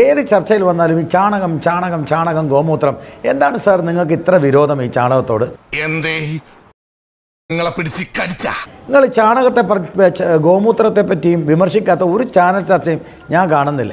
ഏത് ചർച്ചയിൽ വന്നാലും ഈ ചാണകം ചാണകം ചാണകം ഗോമൂത്രം. എന്താണ് സാർ നിങ്ങൾക്ക് ഇത്ര വിരോധം ഈ ചാണകത്തോട്? നിങ്ങൾ ചാണകത്തെ ഗോമൂത്രത്തെ പറ്റിയും വിമർശിക്കാത്ത ഒരു ചാനൽ ചർച്ചയും ഞാൻ കാണുന്നില്ല.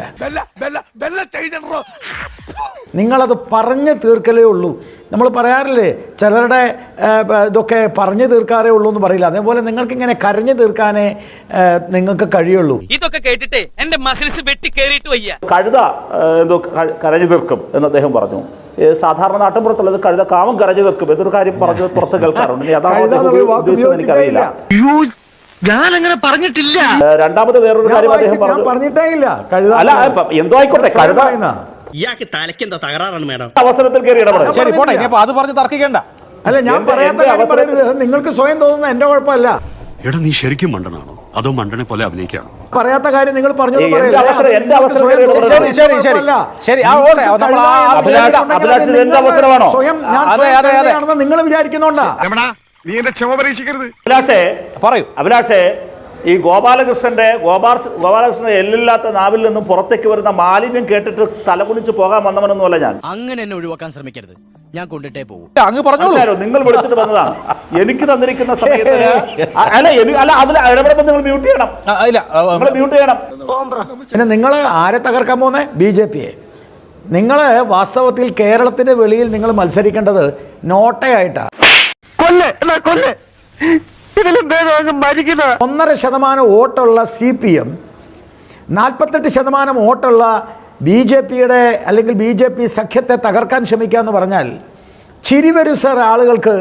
നിങ്ങളത് പറഞ്ഞു തീർക്കലേ ഉള്ളൂ. നമ്മൾ പറയാറില്ലേ, ചിലരുടെ ഇതൊക്കെ പറഞ്ഞു തീർക്കാറേ ഉള്ളൂ എന്ന് പറയില്ല. അതേപോലെ നിങ്ങൾക്ക് ഇങ്ങനെ കരഞ്ഞു തീർക്കാനേ നിങ്ങൾക്ക് കഴിയുള്ളൂ. ഇതൊക്കെ കേട്ടിട്ട് എന്റെ മസിൽസ് വെട്ടി കേറിയിട്ട് വയ്യ. കഴുത എന്തോ കരഞ്ഞു തീർക്കും എന്ന് അദ്ദേഹം പറഞ്ഞു. സാധാരണ നാട്ടിൻപുറത്തുള്ളത് കഴുത കാമം കരഞ്ഞു തീർക്കും എന്നൊരു കാര്യം പറഞ്ഞു പുറത്ത് കേൾക്കാറുണ്ട്. എനിക്കറിയില്ല, ഞാൻ അങ്ങനെ പറഞ്ഞിട്ടില്ല. രണ്ടാമത് വേറൊരു കാര്യം അദ്ദേഹം പറഞ്ഞിട്ടേ ഇല്ല. അല്ല, എന്തോ ആയിക്കോട്ടെ, കഴുത ഇയാൾക്ക് തലയ്ക്ക് എന്താ തകരാറാണ് മേഡം? അവസരത്തിൽ കയറി ഇടപെടാം. ശരി, പോട്ടെ. ഇനിയിപ്പോ അത് പറഞ്ഞ് തർക്കിക്കണ്ട. അല്ല, ഞാൻ പറയാത്ത കാര്യം പറയരുത്. നിങ്ങൾക്ക് സ്വയം തോന്നുന്ന എന്റെ കുഴപ്പമല്ല. എടാ, നീ ശരിക്കും മണ്ടനാണോ അതോ മണ്ടനെ പോലെ അഭിനയിക്കാണോ? പറയാത്ത കാര്യം നിങ്ങൾ പറഞ്ഞു. നിങ്ങൾ വിചാരിക്കുന്നുണ്ടാ? അഭിലാഷേ, ഈ ഗോപാലകൃഷ്ണന്റെ എല്ലില്ലാത്ത നാവിൽ നിന്നും പുറത്തേക്ക് വരുന്ന മാലിന്യം കേട്ടിട്ട് തലകുനിച്ച് പോകാൻ വന്നവനൊന്നുമല്ല ഞാൻ. അങ്ങനെ എന്നെ ഒഴിവാക്കാൻ ശ്രമിക്കരുത്, ഞാൻ കൊണ്ടിട്ടേ പോകും. നിങ്ങൾ വിളിച്ചിട്ട് വന്നതാണ്. എനിക്ക് തന്നിരിക്കുന്ന സമയത്ത് അതിൽ ഇടപെടുമ്പോൾ നിങ്ങൾ മ്യൂട്ട് ചെയ്യണം. മ്യൂട്ട് ചെയ്യണം. പിന്നെ നിങ്ങൾ ആരെ തകർക്കാൻ പോകുന്നേ? BJP-യെ. നിങ്ങൾ വാസ്തവത്തിൽ കേരളത്തിന്റെ വെളിയിൽ നിങ്ങൾ മത്സരിക്കേണ്ടത് നോട്ടയായിട്ടാ. 1.5% വോട്ടുള്ള CPM, 48% വോട്ടുള്ള BJP-യുടെ അല്ലെങ്കിൽ BJP സഖ്യത്തെ തകർക്കാൻ ശ്രമിക്കുക എന്ന് പറഞ്ഞാൽ ചിരി വരും സാർ ആളുകൾക്ക്.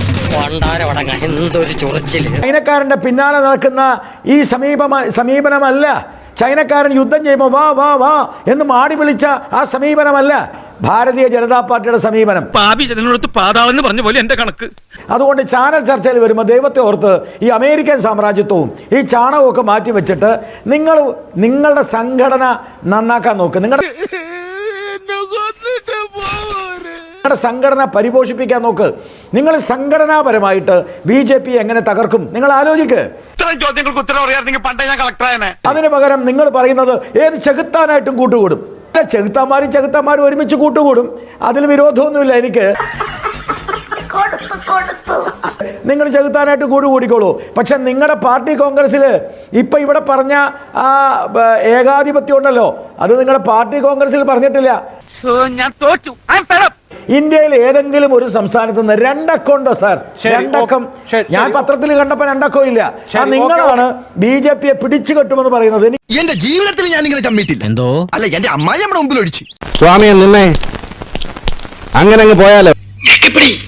ചൈനക്കാരൻ്റെ പിന്നാലെ നടക്കുന്ന ഈ സമീപനമല്ല. ചൈനക്കാരൻ യുദ്ധം ചെയ്യുമ്പോൾ വാ വാ വാ എന്ന് മാടി വിളിച്ച ആ സമീപനമല്ല ഭാരതീയ ജനതാ പാർട്ടിയുടെ സമീപനം. അതുകൊണ്ട് ചാനൽ ചർച്ചയിൽ വരുമ്പോൾ ദൈവത്തെ ഓർത്ത് ഈ അമേരിക്കൻ സാമ്രാജ്യത്വവും ഈ ചാണകമൊക്കെ മാറ്റി വെച്ചിട്ട് നിങ്ങളുടെ സംഘടന നന്നാക്കാൻ നോക്ക്. നിങ്ങളുടെ സംഘടന പരിപോഷിപ്പിക്കാൻ നോക്ക്. നിങ്ങൾ സംഘടനാപരമായിട്ട് BJP എങ്ങനെ തകർക്കും നിങ്ങൾ ആലോചിക്ക്. അതിന് പകരം നിങ്ങൾ പറയുന്നത് ഏത് ചെകുത്താനായിട്ടും കൂട്ടുകൂടും. ചെകുത്താന്മാരും ഒരുമിച്ച് കൂട്ടുകൂടും. അതിൽ വിരോധമൊന്നുമില്ല എനിക്ക്. നിങ്ങൾ ചെകുത്താനായിട്ട് കൂടിക്കോളൂ. പക്ഷെ നിങ്ങളുടെ പാർട്ടി കോൺഗ്രസ്സിൽ ഇപ്പൊ ഇവിടെ പറഞ്ഞ ആ ഏകാധിപത്യം ഉണ്ടല്ലോ, അത് നിങ്ങളുടെ പാർട്ടി കോൺഗ്രസ്സിൽ പറഞ്ഞിട്ടില്ല. ഞാൻ തോറ്റു. ഇന്ത്യയിൽ ഏതെങ്കിലും ഒരു സംസ്ഥാനത്ത് നിന്ന് 2 അക്കൗണ്ടോ സാർ? 2 അക്കം ഞാൻ പത്രത്തിൽ കണ്ടപ്പോ 2 അക്കം ഇല്ല. നിങ്ങളാണ് BJP-യെ പിടിച്ചു കെട്ടുമെന്ന് പറയുന്നത്. എന്റെ ജീവിതത്തിൽ ഞാൻ ഇങ്ങനെ ചമ്മിട്ടില്ല. എന്തോ അല്ല, എന്റെ അമ്മായി നമ്മുടെ മുമ്പിൽ ഒഴിച്ചു. സ്വാമിയെ നിന്നെ അങ്ങനെ അങ്ങ് പോയാലോ.